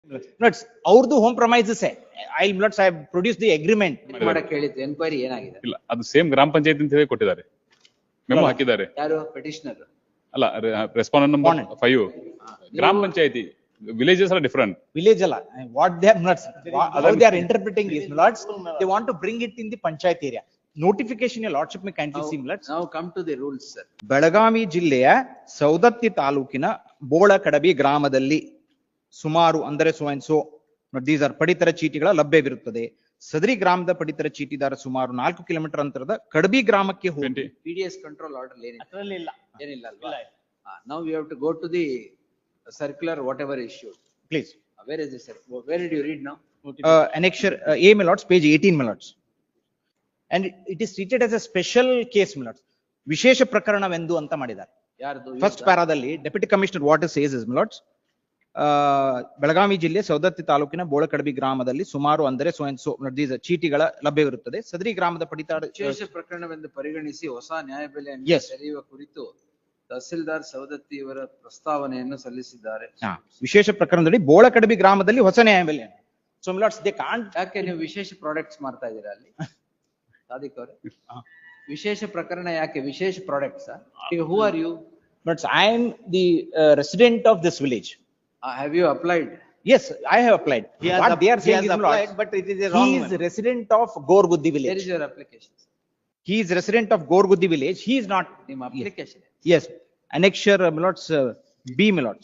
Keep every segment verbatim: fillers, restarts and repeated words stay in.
Nuts, ಅವ್ರದ್ದು home premises I nuts I have produced the agreement. ಮಾಡಕ್ಕೆ ಹೇಳಿದ್ದು enquiry ಏನಾಗಿದೆ? ಇಲ್ಲ, ಅದು ಸೇಮ್ ಗ್ರಾಮ ಪಂಚಾಯತ್ ಅಂತ ಹೇಳಿ ಕೊಟ್ಟಿದ್ದಾರೆ, ಮೆಮೊ ಹಾಕಿದ್ದಾರೆ. ಯಾರು ಪೆಟಿಷನರ್? ಅಲ್ಲ, respondent number five. Grama panchayati villages are different. Village ಅಲ್ಲ, what they are nuts, how they are interpreting is nuts, they want to bring it in the panchayat area. Notification your lordship may kindly see nuts. Now come to the rules, sir. Belagavi ಜಿಲ್ಲೆಯ ಸೌದತ್ತಿ ತಾಲೂಕಿನ ಬೋಳಕಡಬಿ ಗ್ರಾಮದಲ್ಲಿ ಸುಮಾರು ಅಂದರೆ so and so these are ಪಡಿತರ ಚೀಟಿಗಳ ಲಭ್ಯವಿರುತ್ತದೆ. ಸದರಿ ಗ್ರಾಮದ ಪಡಿತರ ಚೀಟಿದಾರ ಸುಮಾರು ನಾಲ್ಕು ಕಿಲೋಮೀಟರ್ ಅಂತರದ ಕಡಬಿ ಗ್ರಾಮಕ್ಕೆ ಹೋಗಿ P D S control order ಏನಿಲ್ಲ? ಅದರಲ್ಲಿ ಇಲ್ಲ ಏನಿಲ್ಲ ಅಲ್ವಾ? Now we have to go to the circular whatever issued. Please. Uh, Where is this, sir? Where did you read now? uh, annexure uh, A Millards, page eighteen Millards. And it- it is treated as a special case Millards. ವಿಶೇಷ ಪ್ರಕರಣವೆಂದು ಅಂತ ಮಾಡಿದ್ದಾರೆ. ಯಾರ್ದು? First ಪ್ಯಾರಾದಲ್ಲಿ deputy commissioner water says is Millards. Belagavi ಜಿಲ್ಲೆ ಸೌದತ್ತಿ ತಾಲೂಕಿನ ಬೋಳಕಡಬಿ ಗ್ರಾಮದಲ್ಲಿ ಸುಮಾರು ಅಂದರೆ ಸೋ ಅಂಡ್ ಸೋ ದೀಸ್ ಚೀಟಿಗಳ ಲಭ್ಯವಿರುತ್ತದೆ. ಸದರಿ ಗ್ರಾಮದ ಪಡಿತರ ವಿಶೇಷ ಪ್ರಕರಣವೆಂದು ಪರಿಗಣಿಸಿ ಹೊಸ ನ್ಯಾಯಬೆಲೆಯನ್ನು Yes. ತೆರೆಯುವ ಕುರಿತು ತಹಸೀಲ್ದಾರ್ ಸವದತ್ತಿ ಇವರ ಪ್ರಸ್ತಾವನೆಯನ್ನು ಸಲ್ಲಿಸಿದ್ದಾರೆ. ಹಾ, ವಿಶೇಷ ಪ್ರಕರಣದಲ್ಲಿ ಬೋಳಕಡಬಿ ಗ್ರಾಮದಲ್ಲಿ ಹೊಸ ನ್ಯಾಯಬೆಲೆ. So Millards, they can't. ಯಾಕೆ ನೀವು ವಿಶೇಷ ಪ್ರಾಡಕ್ಟ್ಸ್ ಮಾಡ್ತಾ ಇದ್ದೀರಾ ಅಲ್ಲಿ? ಸಾದಿಕ್ ಅವರೇ, ವಿಶೇಷ ಪ್ರಕರಣ ಯಾಕೆ? ವಿಶೇಷ ಪ್ರಾಡಕ್ಟ್ಸ್? ಈಗ who are you? But I am the uh, resident of this village. Have you applied? Yes, I have applied. He has What app- they are he saying has is applied, Millards, but it is a wrong he is one. resident of Gorguddi Where village. is your application? He is resident of Gorguddi village. He is not. ನಿಮ್ಮ application? Yes, annexure uh, Millards, uh, B Millards.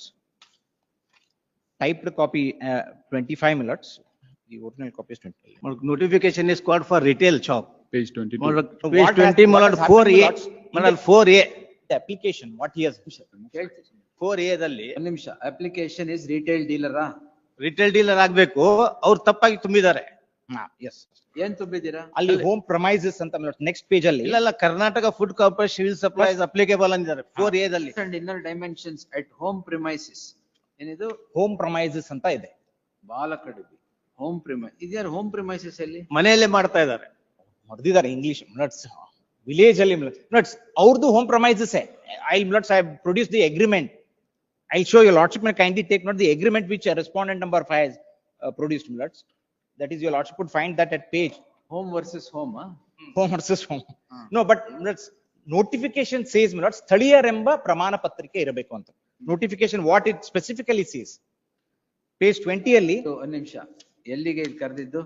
Typed copy uh, twenty-five Millards. The original copy is twenty. Notification is called for retail shop. Page twenty Malad, So Page what has- twenty, what Malad, has four A, happened, Millards? Malad, four A, The application, what he has. four A ದಲ್ಲಿ ಒಂದ್ ನಿಮಿಷ. Application is retail ಡೀಲರಾ? Retail dealer ಆಗ್ಬೇಕು, ಅವ್ರು ತಪ್ಪಾಗಿ ತುಂಬಿದ್ದಾರೆ. Ah, yes. ಏನ್ ತುಂಬಿದ್ದೀರಾ? ಅಲ್ಲಿ ಹೋಮ್ ಪ್ರಮೈಸಸ್ ಅಂತ ನೆಕ್ಸ್ಟ್ ಪೇಜ್ ಅಲ್ಲಿ. ಇಲ್ಲ ಇಲ್ಲ, Karnataka Food Corporation Civil Supplies applicable ಅಂದಿದ್ದಾರೆ ಫೋರ್ ಎ ದಲ್ಲಿ. And inner dimensions at home premises. ಏನಿದು? ಹೋಮ್ ಪ್ರಮೈಸಸ್ ಅಂತ ಇದೆ. Bolakadabi home premise. ಇದ್ಯಾರು ಹೋಮ್ ಪ್ರಿಮೈಸಿಸ್ ಅಲ್ಲಿ? ಮನೆಯಲ್ಲೇ ಮಾಡ್ತಾ ಇದ್ದಾರೆ. ಹೊಡೆದಿದ್ದಾರೆ ಇಂಗ್ಲಿಷ್ Millards. ವಿಲೇಜ್ ಅಲ್ಲಿ Millards, ಅವ್ರದ್ದು home premises. I Millards, I have produced the agreement. I'll show your lordship may kindly take note the agreement which uh, respondent number five has uh, produced Millards. That is, your lordship would find that at page home versus home? home versus home. No, but Millards, notification says Millards, ಸ್ಥಳೀಯರೆಂಬ ಪ್ರಮಾಣ ಪತ್ರಿಕೆ ಇರಬೇಕು ಅಂತ. Notification what it specifically says. Page twenty ಅಲ್ಲಿ ಒಂದ್ ನಿಮಿಷ. ಎಲ್ಲಿಗೆ ಇದು ಕರೆದಿದ್ದು?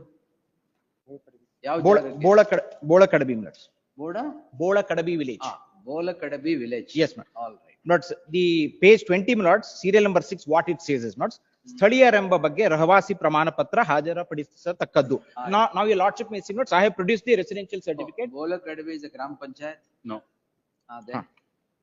ಯಾವ ಬೋಳ ಜಾಗಕ್ಕೆ? ಬೋಳಕಡ ಬೋಳಕಡಬಿ Millards. ಬೋಡ? ಬೋಳಕಡಬಿ ವಿಲೇಜ್. ಆ, Bolakadabi village. Yes, ma'am. All right. Millards, the page twenty Millards, serial number six, what it says is Millards, ಸ್ಥಳೀಯರೆಂಬ ಬಗ್ಗೆ ರಹವಾಸಿ ಪ್ರಮಾಣ ಪತ್ರ ಹಾಜರುಪಡಿಸತಕ್ಕದ್ದು. Now, now your lordship may see Millards, I have produced the residential certificate. Bolakadabi is grama panchayat? No. ಅದೇ. ಹಾ.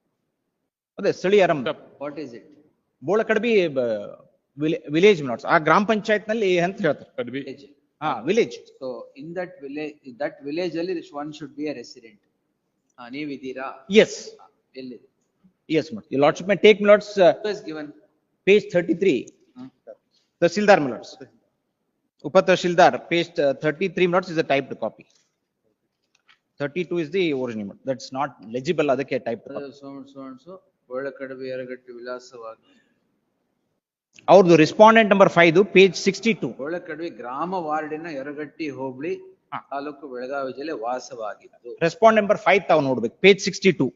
ಅದೇ ಸ್ಥಳೀಯರೆಂಬ what is it? Bolakadabi village Millards, ಆ ಗ್ರಾಮ ಪಂಚಾಯತ್ ನಲ್ಲಿ ಅಂತ ಹೇಳ್ತಾರೆ. ಕಡ್ಬಿ. ಹಾ, village. So in that village, that village ಅಲ್ಲಿ one should be a resident. ನೀವಿದ್ದೀರಾ? Yes, ಎಲ್ಲಿದೆ? yes Millards. Your lordship may take Millards, uh, is given. page thirty-three. Tahsildar Millards. Upa Tahsildar, page uh, thirty-three Millards is a typed copy. thirty-two is the original. That's not legible, ಅದಕ್ಕೆ typed copy. So so so Bolakadbi Yaragatti ವಿಳಾಸವಾಗಿ. ಅವ್ರದ್ದು respondent number five page sixty two. Bolakadbi ಗ್ರಾಮ ವಾರ್ಡಿನ ಯರಗಟ್ಟಿ ಹೋಬಳಿ ಹಾ. ತಾಲೂಕು ಬೆಳಗಾವಿ ಜಿಲ್ಲೆ ವಾಸವಾಗಿದ್ದು. Respond number five ತಾವು ನೋಡ್ಬೇಕು, page sixty two.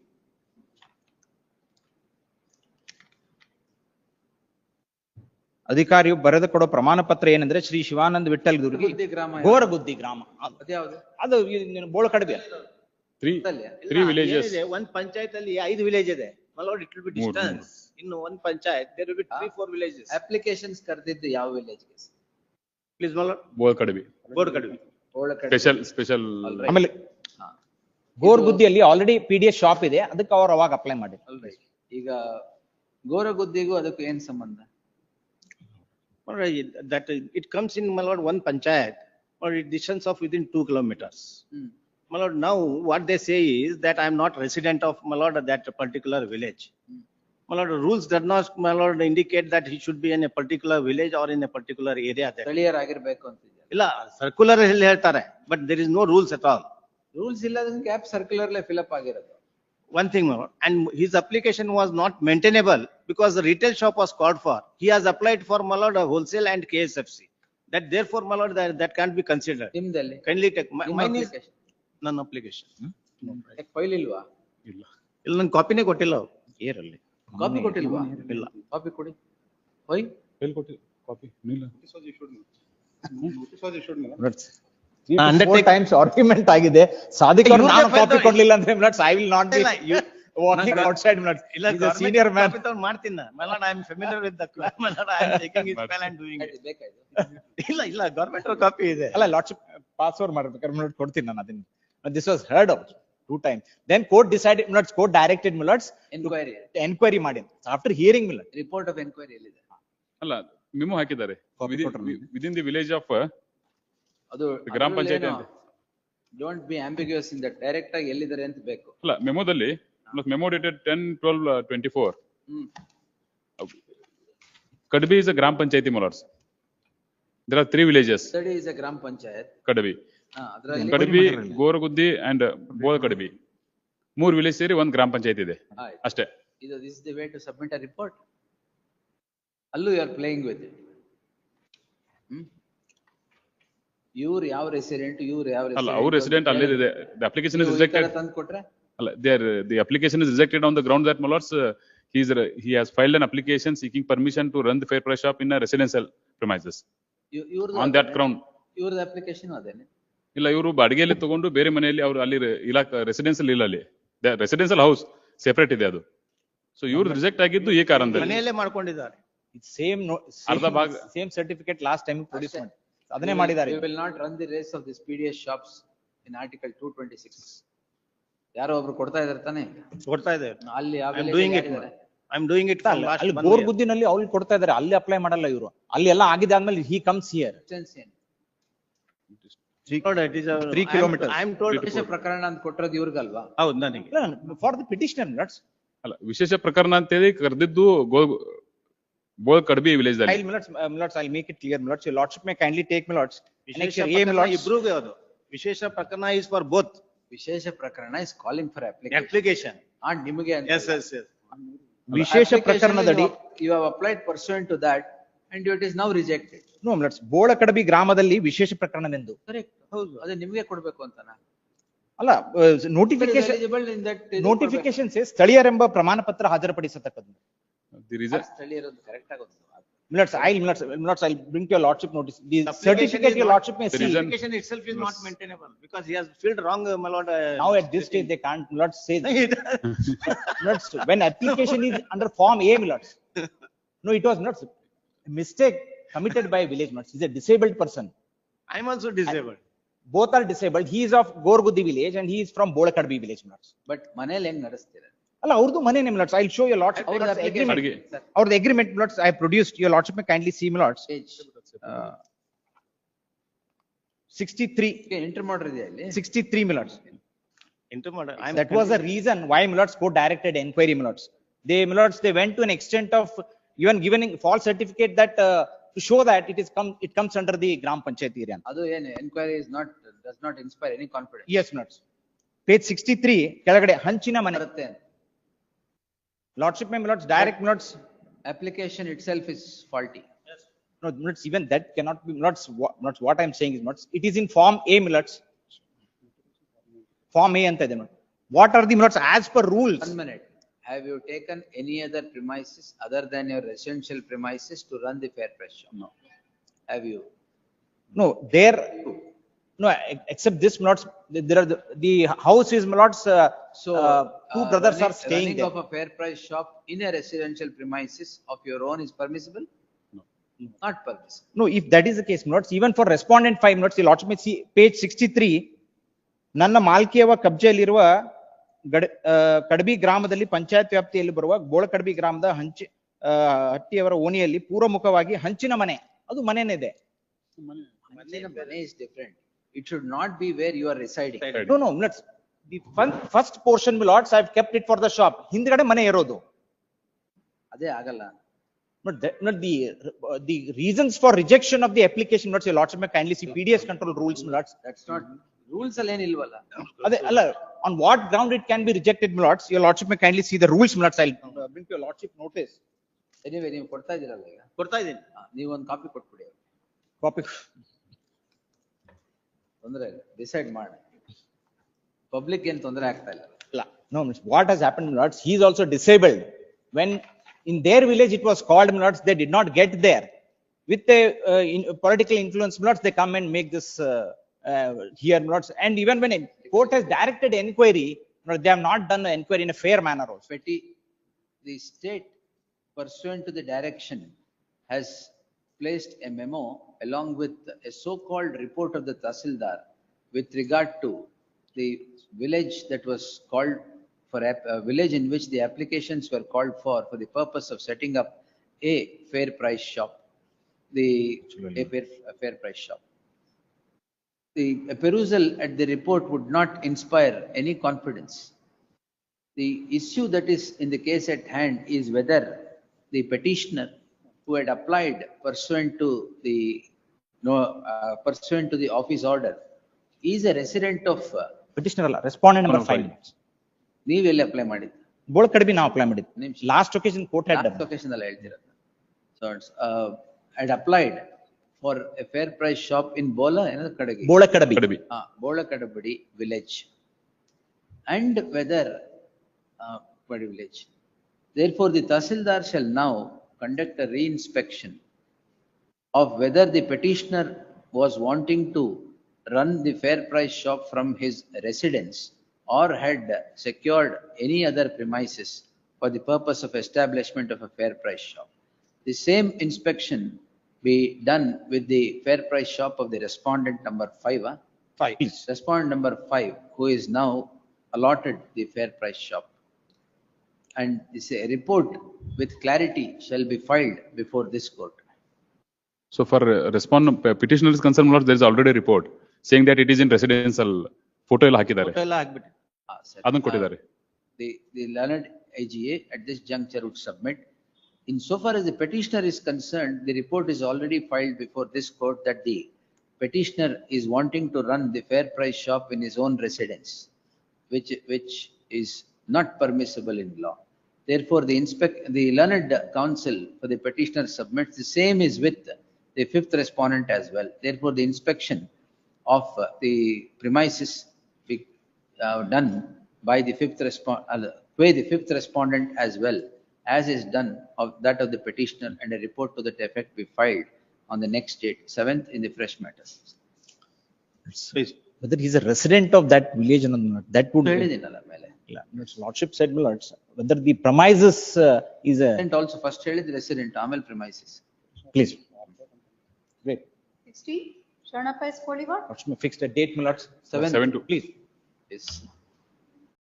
ಅಧಿಕಾರಿಯು ಬರೆದು ಕೊಡೋ ಪ್ರಮಾಣ ಪತ್ರ ಏನಂದ್ರೆ ಶ್ರೀ ಶಿವಾನಂದ ವಿಠಲ್ ದುರ್ಗಿ, ಗುದ್ದಿ ಗ್ರಾಮ ಯಾವ್ದು? ಗೋರಗುದ್ದಿ ಗ್ರಾಮ. ಅದ್ಯಾವ್ದು? ಅದು ಬೋಳಕಡಬಿ. ತ್ರೀ ಗೊತ್ತಲ್ಯ? Three villages. ಏನಿದೆ, ಒಂದ್ ಪಂಚಾಯತ್ ಅಲ್ಲಿ ಐದು ವಿಲೇಜ್ ಇದೆ. Malad, it will be More, distance. ಇನ್ನು ಒಂದ್ panchayat there will be three four villages. Applications ಕರೆದಿದ್ದು ಯಾವ ವಿಲೇಜ್ ಗೆ? Please Malad, Bolkadbi. ಬೋರ್ಡ್ ಕಡಿಮೆ. ಬೋಲಕಡಬಿ. Special special. ಆಮೇಲೆ ಹಾ. ಗೋರಗುದ್ದಿಯಲ್ಲಿ already P D S shop ಇದೆ, ಅದಕ್ಕೆ ಅವ್ರು ಅವಾಗ ಅಪ್ಲೈ ಮಾಡಿ. ಅಲ್ರಿ, ಈಗ ಗೋರಗುದ್ದಿಗೂ ಅದಕ್ಕೂ ಏನ್ ಸಂಬಂಧ? Alright, that it comes in Malad one panchayat or it distance of within two kilometers. Hmm. Malad, now what they say is that I am not resident of Malad that particular village. Hmm. Malad, rules does not Malad indicate that he should be in a particular village or in a particular area there. ಸ್ಥಳೀಯರಾಗಿರ್ಬೇಕು ಅಂತಿದೆ. ಇಲ್ಲ, circular ಅಲ್ಲಿ ಹೇಳ್ತಾರೆ, but there is no rules at all. Rules ಇಲ್ಲದ gap ಸರ್ಕ್ಯುಲರ್ಲೆ fill up ಆಗಿರೋದು. one thing more, and his application was not maintainable because the retail shop was called for. He has applied for, my lord, a wholesale and K S F C. That therefore, my lord, that, that can't be considered. ನಿಮ್ದಲ್ಲಿ Kindly take, mi- ನಿಮ್ಮ mine is application. non application. File ಇಲ್ವಾ? ಇಲ್ಲ. ಇಲ್ಲ ನನ್ ಕಾಪಿನೇ ಕೊಟ್ಟಿಲ್ಲ ಅವ್ರು. ಏರಲ್ಲಿ ಕಾಪಿ ಕೊಟ್ಟಿಲ್ವಾ? ಇಲ್ಲ. ಕಾಪಿ ಕೊಡಿ. ಹೋಯ್ ಫೈಲ್ ಕೊಟ್ಟಿ ಕಾಪಿ ಇಲ್ಲ. Four undertaking- times argument ಆಗಿದೆ. ಸಾದಿಕ್ ಅವ್ರು ಇವ್ರ್ದೇ ನಾನು file ಕಾಪಿ ತಗೊಳ್ಳಿ. ಕೊಡ್ಲಿಲ್ಲ ಅಂದ್ರೆ milords I will not be ಇಲ್ಲ, you- walking ನಾನು- outside ಮಿಲಟ್ಸ್. ಇಲ್ಲ, He's a government senior man. copy ತಗೊಂಡು ಮಾಡ್ತೀನಿ ನಾ. My lord, I am familiar with the, my lord, I am taking his file and doing it. ಬೇಕಾಯ್ತು. ಇಲ್ಲ, ಇಲ್ಲ, government copy ಇದೆ. ಅಲ್ಲ ಲಾರ್ಡ್ಶಿಪ್ ಪಾಸ್ವರ್ಡ್ ಮಾಡ್ಬೇಕಾದ್ರೆ ಮಿಲಟ್ ಕೊಡ್ತೀನಿ ನಾನು ಅದನ್ನ. This was heard of two times. Then court decided milords court directed milords enquiry enquiry ಮಾಡಿ. After hearing milord report of enquiry ಎಲ್ಲಿದೆ? ಅಲ್ಲ ಮೆಮೊ ಹಾಕಿದ್ದಾರೆ. Copy ಕೊಟ್ರು ನನಗೆ. ವಿದಿನ್ ದಿ ವಿಲೇಜ್ ಆಫ್ ಅದು ಗ್ರಾಮ ಪಂಚಾಯತಿ ಅಂತ. Don't be ambiguous in that, direct ಆಗಿ ಎಲ್ಲಿದ್ದಾರೆ ಅಂತ ಬೇಕು. ಅಲ್ಲ ಮೆಮೊದಲ್ಲಿ memo dated ten twelve twenty four. Hmm. Kadbi is a gram panchayati, my lords. There are three villages. Study is a ಗ್ರಾಮ ಪಂಚಾಯತ್. Kadbi. ಹಾ, ಅದ್ರಲ್ಲಿ Kadbi, Goraguddi and Boda Kadbi. ಮೂರ್ ವಿಲೇಜ್ ಸೇರಿ ಒಂದ್ ಗ್ರಾಮ ಪಂಚಾಯತಿ ಇದೆ ಆಯ್ತು. ಅಷ್ಟೇ. ಇದು this the way to submit a report. ಅಲ್ಲೂ you are playing with it. ಇವ್ರು ಯಾವ ರೆಸಿಡೆಂಟ್, ಇವ್ರು ಯಾವ ಅಲ್ಲ ಅವ್ರ ರೆಸಿಡೆಂಟ್ ಅಲ್ಲೇ ಇದೆ. The application is rejected. ತಂದು ಕೊಟ್ರೆ ಅಲ್ಲ there the application is rejected on the ground that, my lords, uh, he is he has filed an application seeking permission to run the fair price shop in a residential premises. ಇವ್ರದ್ದು On that ground. ಇವ್ರದ್ದು application ಅದೇನೆ. ಇಲ್ಲ ಇವರು ಬಾಡಿಗೆಯಲ್ಲಿ ತಗೊಂಡು ಬೇರೆ ಮನೆಯಲ್ಲಿ ಅವ್ರು ಅಲ್ಲಿ ಇಲಾಖ ರೆಸಿಡೆನ್ಸಿಯಲ್ ಇಲ್ಲ ಅಲ್ಲಿ ರೆಸಿಡೆನ್ಸಿಯಲ್ ಹೌಸ್ ಸೆಪರೇಟ್ ಇದೆ ಅದು. ಸೊ ಇವ್ರು ರಿಜೆಕ್ಟ್ ಆಗಿದ್ದು ಈ ಕಾರಣದಲ್ಲಿ. ಮನೆಯಲ್ಲೇ ಮಾಡ್ಕೊಂಡಿದ್ದಾರೆ. ಸೇಮ್ ಅರ್ಧ ಭಾಗ same certificate last time produce ಮಾಡಿ ಅದನ್ನೇ ಮಾಡಿದ್ದಾರೆ. We will not run the race of these P D S shops in article two twenty-six. ಯಾರೋ ಒಬ್ರು ಕೊಡ್ತಾ ಇದಾರೆ ತಾನೆ? ಕೊಡ್ತಾ ಇದೆ. ಅಲ್ಲಿ ಯಾವ I am doing it. I am doing it from ಅಲ್ಲ, last ಅಲ್ಲಿ one ಬೋರ್ year. ಗುದ್ದಿನಲ್ಲಿ ಅವ್ರು ಕೊಡ್ತಾ ಇದಾರೆ, ಅಲ್ಲಿ ಅಪ್ಲೈ ಮಾಡಲ್ಲ ಇವರು. ಅಲ್ಲಿ ಎಲ್ಲ ಆಗಿದೆ ಆದ್ಮೇಲೆ he comes here. Lord, it is a- Three I am- kilometers. I am told. ವಿಶೇಷ ಪ್ರಕರಣ ಅಂತ ಕೊಟ್ಟಿರೋದು ಇವ್ರಿಗಲ್ವಾ? ಹೌದು ನನಗೆ. For the petitioner milords. ಅಲ್ಲ ವಿಶೇಷ ಪ್ರಕರಣ ಅಂತೇಳಿ ಕರೆದಿದ್ದು ಗೋ ಬೋಲ್ ಕಡ್ಬಿ ವಿಲೇಜ್ I'll ಅಲ್ಲಿ. ಮಿಲಟ್ಸ್ ಮಿಲಟ್ಸ್ I'll make it clear ಮಿಲಟ್ಸ್. Your lordship may kindly take ಮಿಲಟ್ಸ್. ವಿಶೇಷ A ಪ್ರಕರಣ ಮಿಲಟ್ಸ್ ಇಬ್ರಿಗೂ ಅದು. ವಿಶೇಷ ಪ್ರಕರಣ is for both. ವಿಶೇಷ ಪ್ರಕರಣ is calling for application. Application. ಆ ನಿಮಗೆ ಅಂತ. Yes, yes, yes. ವಿಶೇಷ ಪ್ರಕರಣದಡಿ you have applied pursuant to that and it is now rejected. No milords Bolakadbi ಗ್ರಾಮದಲ್ಲಿ ವಿಶೇಷ ಪ್ರಕರಣವೆಂದು. ಕರೆಕ್ಟ್. ಹೌದು, ಅದೇ ನಿಮಗೆ ಕೊಡ್ಬೇಕು ಅಂತನಾ? ಅಲ್ಲ notification eligible in that notification say ಸ್ಥಳೀಯರೆಂಬ ಪ್ರಮಾಣ ಪತ್ರ ಹಾಜರುಪಡಿಸತಕ್ಕದ್ದು. ದಿ ರೀಸನ್ ಸ್ಥಳೀಯರದ್ದು ಕರೆಕ್ಟ್ ಆಗುತ್ತೆ. Millards, I'll, Millards, Millards, I'll bring to your lordship notice. The Application certificate is your not- lordship may The see. reason- Application itself is not maintainable because he has filled wrong, uh, my lord. uh, Now at this stage, they can't, Millards say, It- Millards, when application is under form A, Millards. No, it was Millards, a mistake committed by a village Millards. He's a disabled person. I am also disabled. Both are disabled. He is of Gorgudi village and he is from Bolakadbi village Millards. But ಮನೇಲಿ ಹೆಂಗ್ ನಡೆಸ್ತೀರ? ಅಲ್ಲ ಅವ್ರದ್ದು ಮನೆನೇ Millards. I'll show your lordship. ಅವ್ರದ್ದು Millards, application agreement. ಅಡಿಗೆ. Sir, Or the agreement Millards I have produced. Your lordship may kindly see Millards. page. Uh, sixty-three, enter ಮಾಡಿದ್ಯಾ ಇಲ್ಲಿ? sixty-three Millards. Intermodal. I am. That was the reason why Millards court directed enquiry Millards. They Millards, they went to an extent of even giving false certificate that uh, to show that it is come, it comes under the Gram Panchayat area. ಅದು ಏನು enquiry is not does not inspire any confidence Yes, Millards. Page sixty-three, ಕೆಳಗಡೆ ಹಂಚಿನ ಮನೆ. ಬರುತ್ತೆ. Lordship may Millards, direct Millards. Application itself is faulty. No, Millards, even that cannot be Millards. What, Millards, what I am saying is Millards, it is in form A Millards. Form A ಅಂತ ಇದೆ Millards. What are the Millards as per rules? One minute. Have you taken any other premises other than your residential premises to run the fair price shop? No. Have you? No, there, no, ex- except this Millards, there are the, the house is Millards, uh, So. uh, two uh, brothers running- are staying running there. of a fair price shop in a residential premises of your own is permissible? No. Not permissible. No, if that is the case, Millards, even for respondent five Millards, the lordship may see page sixty-three, ನನ್ನ ಮಾಲ್ಕಿಯವ ಕಬ್ಜೆಯಲ್ಲಿರುವ ಗಡ ಆ, ಕಡಬಿ ಗ್ರಾಮದಲ್ಲಿ ಪಂಚಾಯತ್ ವ್ಯಾಪ್ತಿಯಲ್ಲಿ ಬರುವ ಬೋಳಕಡಬಿ ಗ್ರಾಮದ ಹಂಚಿ ಆ, ಹಟ್ಟಿಯವರ ಓಣಿಯಲ್ಲಿ ಪೂರ್ವಮುಖವಾಗಿ ಹಂಚಿನ ಮನೆ, ಅದು ಮನೆನೇ ಇದೆ. Mane is different. It should not be where you are residing. No, no, Millards, the fun- first portion Millards, I have kept it for the shop. ಹಿಂದ್ಗಡೆ ಮನೆ ಇರೋದು. ಅದೇ ಆಗಲ್ಲ. But that, not the, uh, the reasons for rejection of the application, Millards, your lordship may kindly see P D S control rules, Millards. That's not, rules ಅಲ್ಲಿ ಏನಿಲ್ವಲ್ಲ. ಅದೇ ಅಲ್ಲ on what ground it can be rejected, my lords? Your lordship may kindly see the rules, my lords. I'll uh, bring to your lordship notice. Anyway, ನೀವು ಕೊಡ್ತಾ ಇದೀರಲ್ಲ ಈಗ, ಕೊಡ್ತಾ ಇದ್ದೀನಿ. ಆ, ನೀವು ಒಂದು ಕಾಪಿ ಕೊಟ್ಬಿಡಿ, Copy. ತೊಂದ್ರೆ ಇಲ್ಲ, ಡಿಸೈಡ್ ಮಾಡಿ. ಪಬ್ಲಿಕ್ ಏನ್ ತೊಂದರೆ ಆಗ್ತಾ ಇಲ್ಲ. La- No, miss, what has happened, my lords? He is also disabled. When in their village it was called, my lords, they did not get there. With a uh, in, political influence, my lords, they come and make this uh, uh, here, my lords. And even when a court has directed enquiry, my lords, they have not done the enquiry in a fair manner also. Petty, the state pursuant to the direction has placed a memo along with a so-called report of the Tahsildar with regard to the village that was called for, a a village in which the applications were called for, for the purpose of setting up a fair price shop, the, a fair, a fair price shop. The a perusal at the report would not inspire any confidence. The issue that is in the case at hand is whether the petitioner who had applied pursuant to the, no, uh, pursuant to the office order is a resident of, uh, Petitioner ಅಲ್ಲ, respondent number five. ನೀವೆಲ್ಲಿ apply ಮಾಡಿದ್ದು? ಬೋಳಕಡಬಿ ನಾವು apply ಮಾಡಿದ್ದು. ನಿಮಿಷ. Last occasion court had done. Last occasion ಅಲ್ಲಿ ಹೇಳ್ತಿರೋದು. So it's, uh, had applied for a fair price shop in Bola, another Kadagi. ಬೋಳಕಡಬಿ. ಕಡಬಿ. Ah, Bola Kadabadi village. And whether, uh, Padi village. Therefore, the Tahsildar shall now conduct a re-inspection of whether the petitioner was wanting to run the fair price shop from his residence or had secured any other premises for the purpose of establishment of a fair price shop. The same inspection be done with the fair price shop of the respondent number five, huh? Five, please. Respondent number five, who is now allotted the fair price shop. And this a report with clarity shall be filed before this court. So for uh, respond petitioner is concerned, my lords, there is already a report saying that it is in residential. Photo ಎಲ್ಲ ಹಾಕಿದ್ದಾರೆ. Photo ಎಲ್ಲ ಹಾಕ್ಬಿಟ್ಟು. Ah, sir. ಅದನ್ನು ಕೊಟ್ಟಿದ್ದಾರೆ. The, the learned I G A at this juncture would submit. Insofar as the petitioner is concerned, the report is already filed before this court that the petitioner is wanting to run the fair price shop in his own residence, which, which is not permissible in law. Therefore, the inspect, the learned counsel for the petitioner submits the same is with the fifth respondent as well. Therefore, the inspection of uh, the premises be uh, done by the fifth respond, uh, by the fifth respondent as well as is done of that of the petitioner, and a report to that effect be filed on the next date, seventh in the fresh matters. Please. Whether he's a resident of that village or not, that would. ಹೇಳಿದ್ದೀನಲ್ಲ ಮೇಲೆ. Yeah, His lordship said, my lords, whether the premises uh, is a, And also first ಹೇಳಿದ resident, ಆಮೇಲೆ premises. please. Great. Sixty, Sharanappa is forty-one. Lordship may fix the date, my lords. Seventh. Seven two. Please. Yes.